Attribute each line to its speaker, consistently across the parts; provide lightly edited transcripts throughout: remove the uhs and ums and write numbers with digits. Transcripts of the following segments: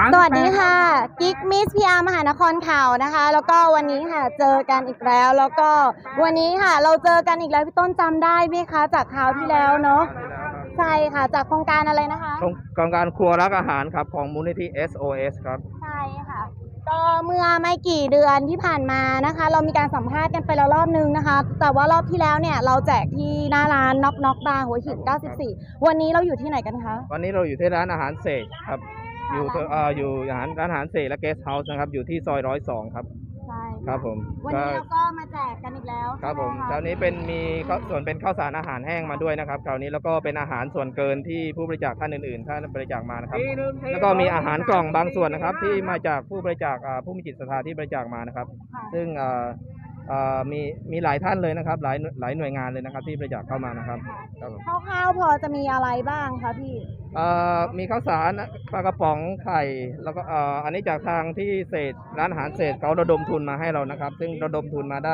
Speaker 1: สวัสดีค่ะกิ๊กมิสพีอาร์มหานครข่าวนะคะแล้วก็วันนี้ค่ะเจอกันอีกแล้วก็วันนี้ค่ะเราเจอกันอีกแล้วพี่ต้นจำได้ไหมคะจากคราวที่แล้วเนาะใช่ค่ะจากโครงการอะไรนะคะ
Speaker 2: โครงการครัวรักอาหารครับของมูลนิธิ SOS ครับ
Speaker 1: ใช่ค่ะก็เมื่อไม่กี่เดือนที่ผ่านมานะคะเรามีการสัมภาษณ์กันไปแล้วรอบนึงนะคะแต่ว่ารอบที่แล้วเนี่ยเราแจกที่หน้าร้านน็อกบาร์หัวหิน94วันนี้เราอยู่ที่ไหนกันคะ
Speaker 2: วันนี้เราอยู่ที่ร้านอาหารเสกครับอยู่ร้านอาหารเสกและเกสต์เฮาส์นะครับอยู่ที่ซอย102ครับ
Speaker 1: ใช่
Speaker 2: ครับผม
Speaker 1: วันนี้เราก็มาแจกกันอีกแล้ว
Speaker 2: ครับผมคราวนี้มีส่วนเป็นข้าวสารอาหารแห้งมาด้วยนะครับคราวนี้แล้วก็เป็นอาหารส่วนเกินที่ผู้บริจาคท่านอื่นๆท่านบริจาคมานะครับแล้วก็มีอาหารกล่องบางส่วนนะครับที่มาจากผู้บริจาคผู้มีจิตศรัทธาที่บริจาคมานะครับซึ่งมีหลายท่านเลยนะครับหลายหน่วยงานเลยนะครับที่บริจาคเข้ามานะครับ
Speaker 1: คร่าวๆพอจะมีอะไรบ้างคะพี่
Speaker 2: มีข้าวสารปลากระป๋องไข่แล้วก็อันนี้จากทางที่ร้านอาหารเศษเขาระดมทุนมาให้เรานะครับซึ่งระดมทุนมาได้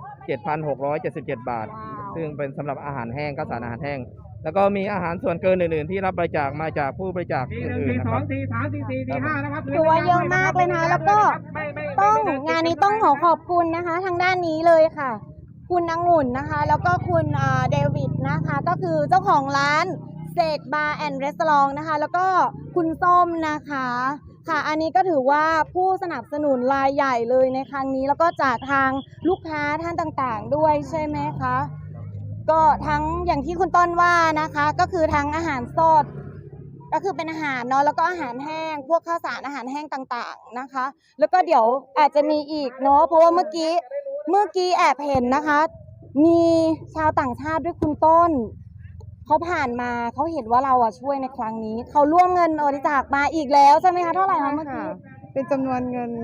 Speaker 2: 7,677 บาทซึ่งเป็นสำหรับอาหารแห้งข้าวสารอาหารแห้งแล้วก็มีอาหารส่วนเกินอื่นๆที่รับบริจาคมาจากผู้บริจาคอื่นๆนะครับ
Speaker 1: ถือว่าเยอะมากเลยนะแล้วก็งานนี้ต้องขอบคุณนะคะทางด้านนี้เลยค่ะคุณองุ่นนะคะแล้วก็คุณเดวิดนะคะก็คือเจ้าของร้านเศษบาร์แอนด์รีสอร์ทนะคะแล้วก็คุณส้มนะคะค่ะอันนี้ก็ถือว่าผู้สนับสนุนรายใหญ่เลยในครั้งนี้แล้วก็จากทางลูกค้าท่านต่างๆด้วยใช่ไหมคะก็ทั้งอย่างที่คุณต้นว่านะคะก็คือทั้งอาหารสดก็คือเป็นอาหารเนาะแล้วก็อาหารแห้งพวกข้าวสารอาหารแห้งต่างๆนะคะแล้วก็เดี๋ยวอาจจะมีอีกเนาะเพราะว่าเมื่อกี้แอบเห็นนะคะมีชาวต่างชาติด้วยคุณต้นเขาผ่านมาเขาเห็นว่าเราช่วยในครั้งนี้เขาร่วมเงินบริจาคมาอีกแล้วใช่ไหมคะเท่าไหร่คะเมื่อกี้
Speaker 3: เป็นจำนวนเงิน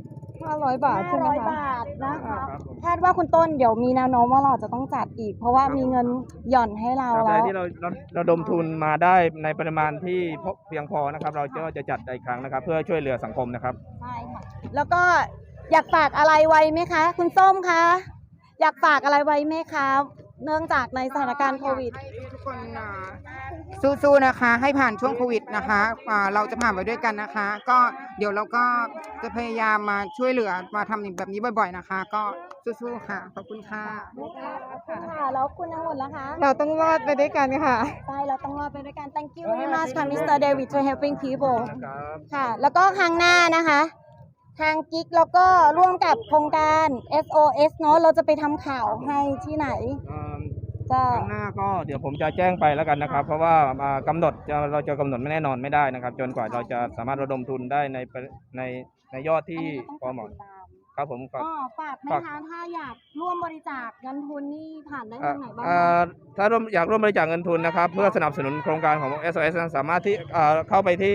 Speaker 3: 500 บาทใช่ไหมคะ
Speaker 1: 500 บาทนะคะคาดว่าคุณต้นเดี๋ยวมีแนวโน้มว่าเราจะต้องจัดอีกเพราะว่ามีเงินหย่อนให้เราแล้ว
Speaker 2: ที่เราระดมทุนมาได้ในปริมาณที่เพียงพอนะครับเราจะจัดอีกครั้งนะครับเพื่อช่วยเหลือสังคมนะครับ
Speaker 1: ใช่ค่ะแล้วก็อยากฝากอะไรไว้ไหมคะคุณส้มคะอยากฝากอะไรไว้ไหมคะเนื่องจากในสถานการณ์โควิด
Speaker 3: ทุกคนสู้ๆนะคะให้ผ่านช่วงโควิดนะคะเราจะผ่านไปด้วยกันนะคะก็เดี๋ยวเราก็จะพยายามมาช่วยเหลือมาทำแบบนี้บ่อยๆนะคะก็สู้ๆค่ะขอบคุณค่ะ
Speaker 1: ค่ะแล้วคุณองุ่นล่ะคะ
Speaker 3: เราต้องรอดไปด้วยกันค่ะ
Speaker 1: ใช่เราต้องรอดไปด้วยกัน Thank you very much ค่ะ Mr. David for helping people ค่ะแล้วก็ครั้งหน้านะคะทางกิ๊กแล้วก็ร่วมกับโครงการ SOS เนาะเราจะไปทำข่าวให้ที่ไหน
Speaker 2: ข้างหน้าก็เดี๋ยวผมจะแจ้งไปแล้วกันนะครับเพราะว่าเราจะกำหนดไม่แน่นอนไม่ได้นะครับจนกว่าเราจะสามารถระดมทุนได้ในยอดที่พอเหมาะครับผม
Speaker 1: ฝากไหมคะถ้าอยากร่วมบริจาคเงินทุนนี่ผ่านได้ทางไหนบ้าง
Speaker 2: ถ้าอยากร่วมบริจาคเงินทุนนะครับเพื่อสนับสนุนโครงการของ SOS สามารถที่เข้าไปที่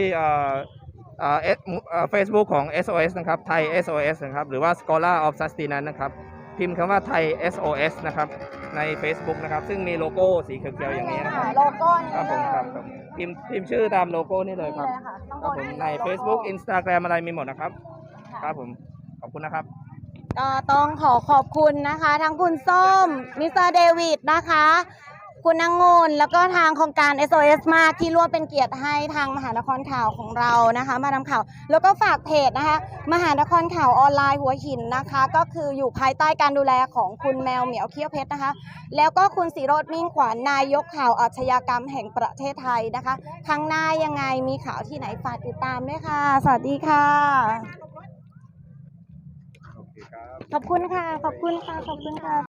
Speaker 2: Facebook ของ SOS นะครับไทย SOS นะครับหรือว่า Scholar of Sustenance นะครับพิมพ์คำว่าไทย SOS นะครับใน Facebook นะครับซึ่งมีโลโก้สีเขียวๆอย่างนี้นะครับ
Speaker 1: โลโก้นี้
Speaker 2: ครับผมครับพิมพ์ชื่อตามโลโก้นี่เลยครับครับผมใน Facebook Instagram อะไรมีหมดนะครับครับผมขอบคุณนะครับ
Speaker 1: ก็ต้องขอบคุณนะคะทั้งคุณส้มมิสเตอร์เดวิดนะคะคุณองุ่นแล้วก็ทางโครงการ SOS มากที่ร่วมเป็นเกียรติให้ทางมหานครข่าวของเรานะคะมาทำข่าวแล้วก็ฝากเพจนะคะมหานครข่าวออนไลน์หัวหินนะคะก็คืออยู่ภายใต้การดูแลของคุณแมวเหมียวเขี้ยวเพชรนะคะแล้วก็คุณศิโรจน์มิ่งขวัญนายกข่าวอาชญากรรมแห่งประเทศไทยนะคะครั้งหน้ายังไงมีข่าวที่ไหนฝากติดตามด้วยค่ะสวัสดีค่ะขอบคุณค่ะขอบคุณค่ะ